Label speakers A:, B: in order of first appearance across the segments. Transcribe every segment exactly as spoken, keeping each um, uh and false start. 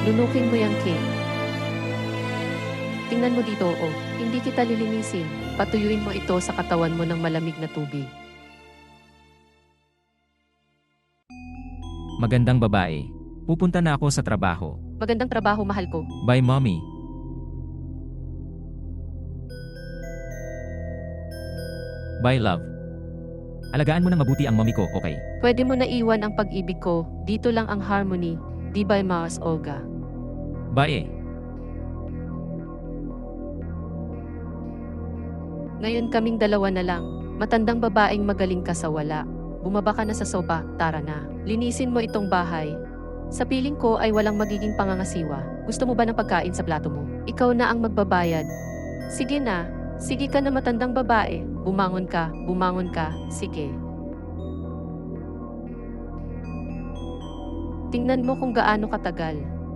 A: Lunukin mo yung cake. Tingnan mo dito, oh. Hindi kita lilinisin. Patuyuin mo ito sa katawan mo ng malamig na tubig.
B: Magandang babae. Pupunta na ako sa trabaho.
A: Magandang trabaho, mahal ko.
B: Bye, mommy. Bye, love. Alagaan mo ng mabuti ang mommy ko, okay?
A: Pwede mo na iwan ang pag-ibig ko. Dito lang ang harmony. Di by Mars Olga.
B: Bye eh.
A: Ngayon kaming dalawa na lang. Matandang babaeng magaling ka sa wala. Bumaba ka na sa sopa, tara na. Linisin mo itong bahay. Sa piling ko ay walang magiging pangangasiwa. Gusto mo ba ng pagkain sa plato mo? Ikaw na ang magbabayad. Sige na. Sige ka na matandang babae. Bumangon ka, bumangon ka. Sige. Tingnan mo kung gaano katagal.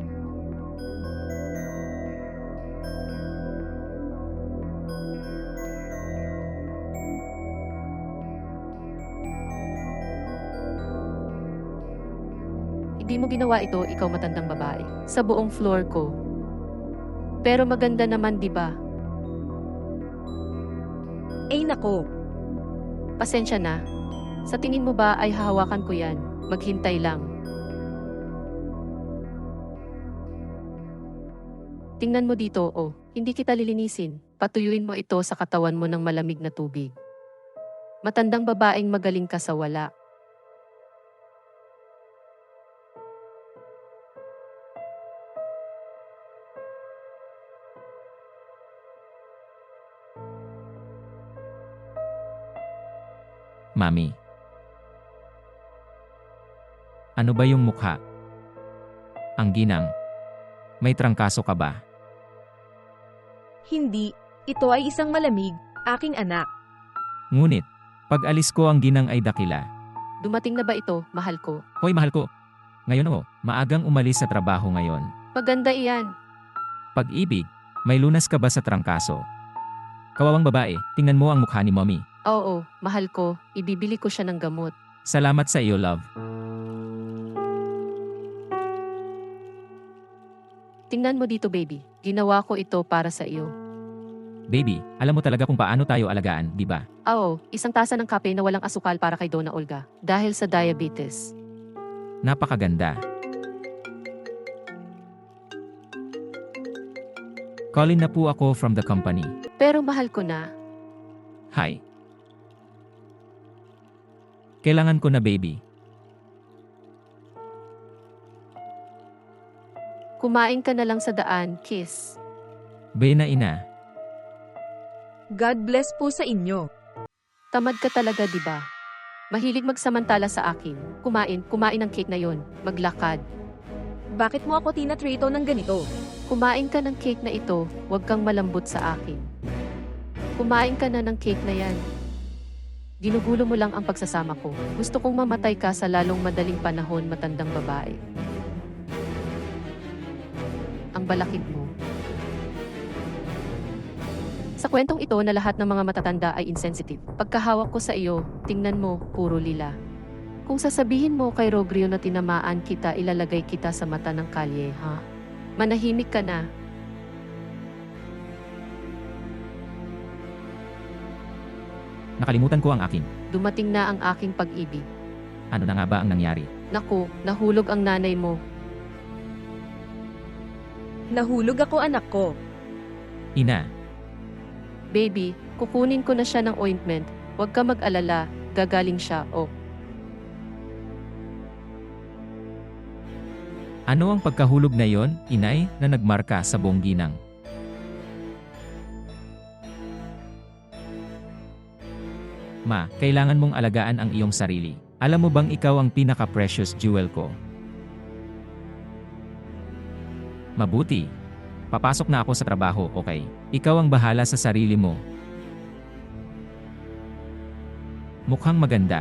A: Hindi mo ginawa ito, ikaw matandang babae. Sa buong floor ko. Pero maganda naman, di ba?
C: Ay nako.
A: Pasensya na. Sa tingin mo ba ay hahawakan ko yan? Maghintay lang. Tingnan mo dito, oh. Hindi kita lilinisin. Patuyuin mo ito sa katawan mo ng malamig na tubig. Matandang babaeng magaling ka sa wala.
B: Mami. Ano ba yung mukha? Ang ginang. May trangkaso ka ba?
C: Hindi. Ito ay isang malamig, aking anak.
B: Ngunit, pag alis ko ang ginang ay dakila.
A: Dumating na ba ito, mahal ko?
B: Hoy mahal ko. Ngayon oh, maagang umalis sa trabaho ngayon.
A: Maganda iyan.
B: Pag-ibig, may lunas ka ba sa trangkaso? Kawawang babae, tingnan mo ang mukha ni mommy.
A: Oo, mahal ko. Ibibili ko siya ng gamot.
B: Salamat sa iyo, love.
A: Tingnan mo dito, baby. Ginawa ko ito para sa iyo.
B: Baby, alam mo talaga kung paano tayo alagaan, di ba?
A: Oo, isang tasa ng kape na walang asukal para kay Donna Olga. Dahil sa diabetes.
B: Napakaganda. Calling na po ako from the company.
A: Pero mahal ko na.
B: Hi. Kailangan ko na, baby.
A: Kumain ka na lang sa daan, kiss.
B: Bay na ina.
C: God bless po sa inyo.
A: Tamad ka talaga, di ba? Mahilig magsamantala sa akin. Kumain, kumain ng cake na yon. Maglakad.
C: Bakit mo ako tinatrito ng ganito?
A: Kumain ka ng cake na ito, huwag kang malambot sa akin. Kumain ka na ng cake na yan. Ginugulo mo lang ang pagsasama ko. Gusto kong mamatay ka sa lalong madaling panahon, matandang babae. Ang balakid mo. Sa kwentong ito na lahat ng mga matatanda ay insensitive. Pagkahawak ko sa iyo, tingnan mo, puro lila. Kung sasabihin mo kay Rogrio na tinamaan kita, ilalagay kita sa mata ng kalye, ha? Manahimik ka na.
B: Nakalimutan ko ang akin.
A: Dumating na ang aking pag-ibig.
B: Ano na nga ba ang nangyari?
A: Naku, nahulog ang nanay mo.
C: Nahulog ako, anak ko.
B: Ina,
A: Baby, kukunin ko na siya ng ointment. Huwag ka mag-alala, gagaling siya, oh.
B: ano ang pagkahulog na yon, inay, na nagmarka sa buong ginang? Ma, kailangan mong alagaan ang iyong sarili. Alam mo bang ikaw ang pinaka-precious jewel ko? Mabuti. Papasok na ako sa trabaho, okay? Ikaw ang bahala sa sarili mo. Mukhang maganda.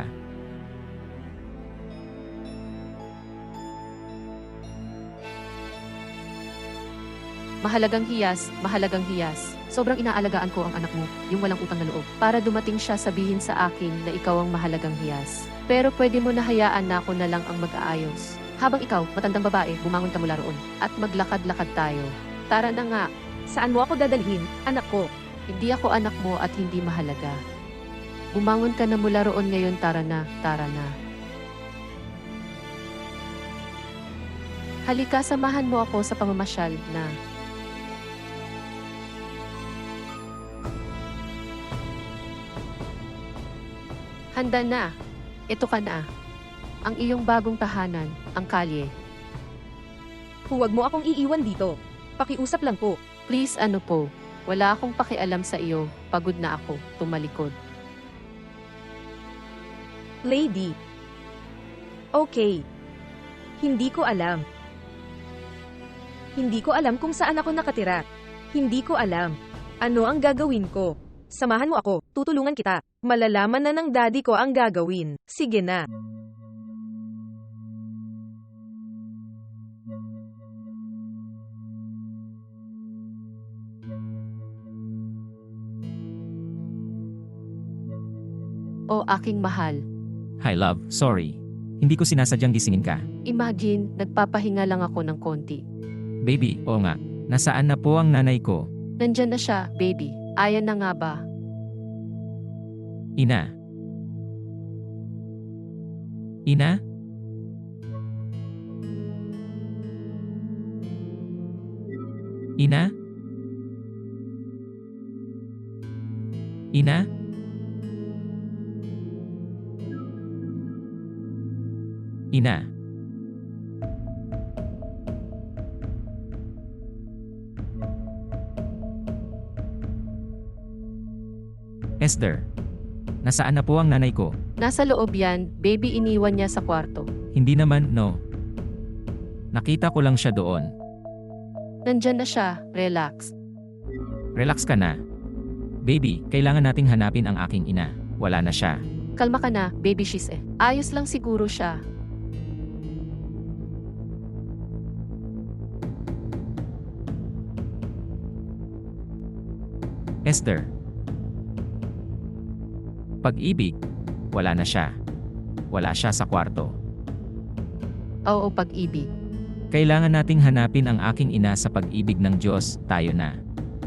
A: Mahalagang hiyas, mahalagang hiyas. Sobrang inaalagaan ko ang anak mo, yung walang utang na loob. Para dumating siya sabihin sa akin na ikaw ang mahalagang hiyas. Pero pwede mo na hayaan na ako na lang ang mag-aayos. Habang ikaw, matandang babae, bumangon ka mula roon at maglakad-lakad tayo. Tara na nga,
C: Saan mo ako dadalhin, anak ko?
A: hindi ako anak mo at hindi mahalaga. Bumangon ka na mula roon ngayon, tara na, tara na. Halika, samahan mo ako sa pamamasyal na. Handa na. Ito ka na. Ang iyong bagong tahanan, ang kalye.
C: Huwag mo akong iiwan dito. Pakiusap lang po.
A: Please, ano po, wala akong pakialam sa iyo, pagod na ako, tumalikod.
C: Lady. Okay. Hindi ko alam. Hindi ko alam kung saan ako nakatira. Hindi ko alam. Ano ang gagawin ko? Samahan mo ako, tutulungan kita. Malalaman na ng daddy ko ang gagawin. Sige na.
A: O aking mahal,
B: Hi love, sorry. Hindi ko sinasadyang gisingin ka.
A: imagine, nagpapahinga lang ako ng konti.
B: Baby, oo nga. Nasaan na po ang nanay ko?
A: Nandyan na siya, baby. Ayan na nga ba?
B: Ina. Ina? Ina? Ina? Ina? Esther, nasaan na po ang nanay ko?
A: Nasa loob yan, baby, iniwan niya sa kwarto.
B: Hindi naman, no. Nakita ko lang siya doon.
A: Nandyan na siya, relax.
B: Relax ka na. Baby, kailangan nating hanapin ang aking ina. Wala na siya.
A: Kalma ka na, baby, she's eh. Ayos lang siguro siya.
B: Esther. Pag-ibig, wala na siya. Wala siya sa kwarto.
A: Oo, pag-ibig.
B: Kailangan nating hanapin ang aking ina sa pag-ibig ng Diyos, tayo na.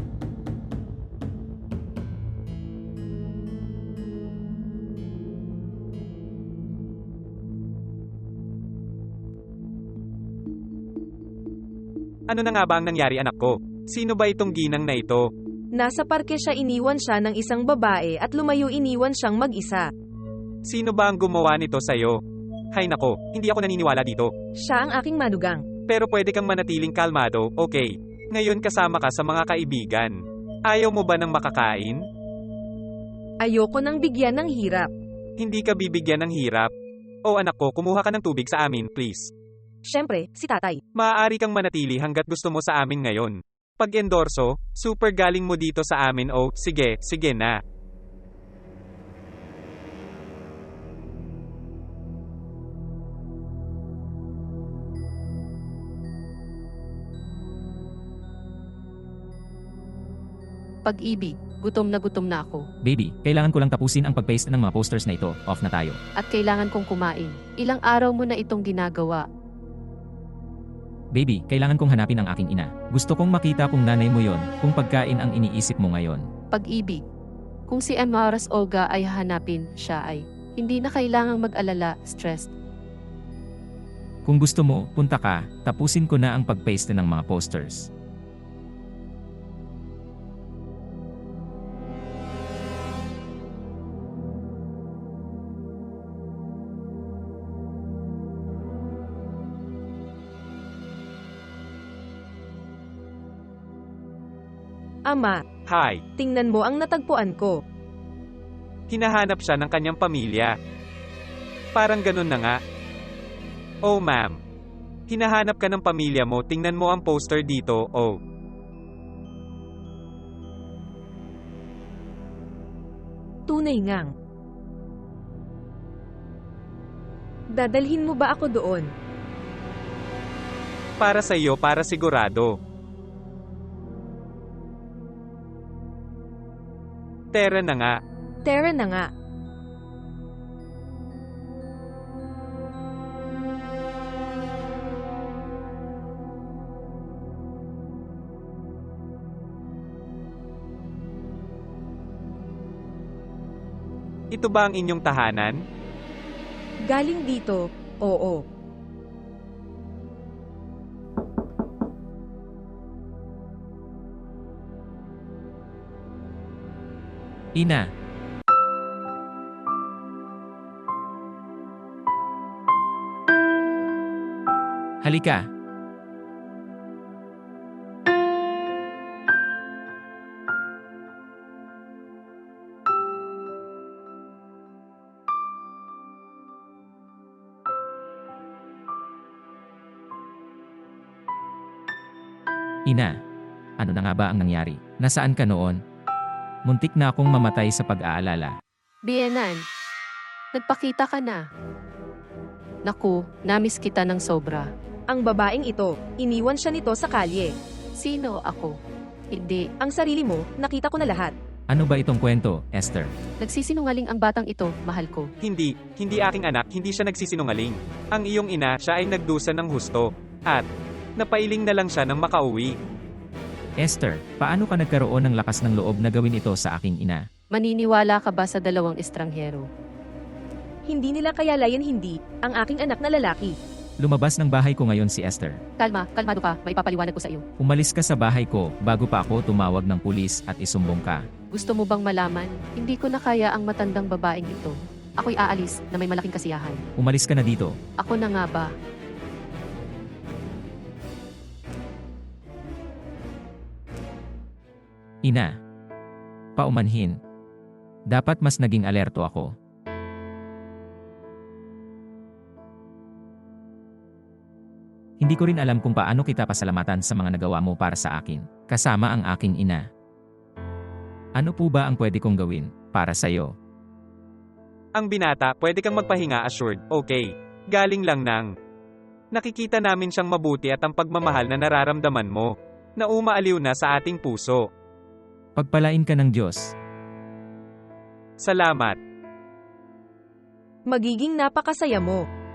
D: Ano na nga ba ang nangyari anak ko? Sino ba itong ginang na ito?
C: Nasa parke siya, iniwan siya ng isang babae at lumayo, iniwan siyang mag-isa.
D: Sino ba ang gumawa nito sa'yo? Hay nako, hindi ako naniniwala dito.
C: Siya ang aking manugang.
D: Pero pwede kang manatiling kalmado, okay? Ngayon kasama ka sa mga kaibigan. Ayaw mo ba ng makakain?
C: Ayoko nang bigyan ng hirap.
D: Hindi ka bibigyan ng hirap. O anak ko, kumuha ka ng tubig sa amin, please.
C: Siyempre, si tatay.
D: Maaari kang manatili hanggat gusto mo sa amin ngayon. Pag-endorso, super galing mo dito sa amin o, sige, sige na.
A: Pag-ibig, gutom na gutom na ako.
B: Baby, kailangan ko lang tapusin ang pag-paste ng mga posters na ito. Off na tayo.
A: At kailangan kong kumain. Ilang araw mo na itong ginagawa.
B: Baby, kailangan kong hanapin ang aking ina. Gusto kong makita kung nanay mo yon, kung pagkain ang iniisip mo ngayon.
A: Pag-ibig. Kung si Amaras Olga ay hahanapin, siya ay hindi na kailangang mag-alala, stressed.
B: Kung gusto mo, punta ka, tapusin ko na ang pag-paste ng mga posters.
C: Ama,
D: Hi,
C: tingnan mo ang natagpuan ko.
D: hinahanap siya ng kanyang pamilya. Parang ganun na nga. Oh ma'am. Hinahanap ka ng pamilya mo, tingnan mo ang poster dito, oh.
C: Tunay ngang. Dadalhin mo ba ako doon?
D: Para sa iyo, para sigurado. Tara na nga.
C: Tara na nga.
D: Ito ba ang inyong tahanan?
C: Galing dito, oo.
B: Ina, halika. Ina, ano na nga ba ang nangyari? Nasaan ka noon? Muntik na akong mamatay sa pag-aalala.
A: Bienan, nagpakita ka na. Naku, namiss kita ng sobra.
C: Ang babaeng ito, iniwan siya nito sa kalye.
A: Sino ako? Hindi.
C: Ang sarili mo, nakita ko na lahat.
B: Ano ba itong kwento, Esther?
A: Nagsisinungaling ang batang ito, mahal ko.
D: Hindi, hindi aking anak, hindi siya nagsisinungaling. Ang iyong ina, siya ay nagdusa ng husto. At, napailing na lang siya nang makauwi.
B: Esther, paano ka nagkaroon ng lakas ng loob na gawin ito sa aking ina?
A: Maniniwala ka ba sa dalawang estranghero?
C: Hindi nila kayalayan hindi, ang aking anak na lalaki.
B: Lumabas ng bahay ko ngayon si Esther.
A: Kalma, kalmado ka, may papaliwanag ko sa iyo.
B: Umalis ka sa bahay ko bago pa ako tumawag ng pulis at isumbong ka.
A: Gusto mo bang malaman? Hindi ko na kaya ang matandang babaeng ito. Ako'y aalis na may malaking kasiyahan.
B: Umalis ka na dito.
A: Ako na nga ba?
B: Ina. Paumanhin. Dapat mas naging alerto ako. Hindi ko rin alam kung paano kita pasalamatan sa mga nagawa mo para sa akin, kasama ang aking ina. Ano po ba ang pwede kong gawin para sa'yo?
D: Ang binata, pwede kang magpahinga assured, okay. Galing lang ng. Nakikita namin siyang mabuti at ang pagmamahal na nararamdaman mo, na umaaliw na sa ating puso.
B: Pagpalain ka ng Diyos.
D: Salamat.
C: Magiging napakasaya mo.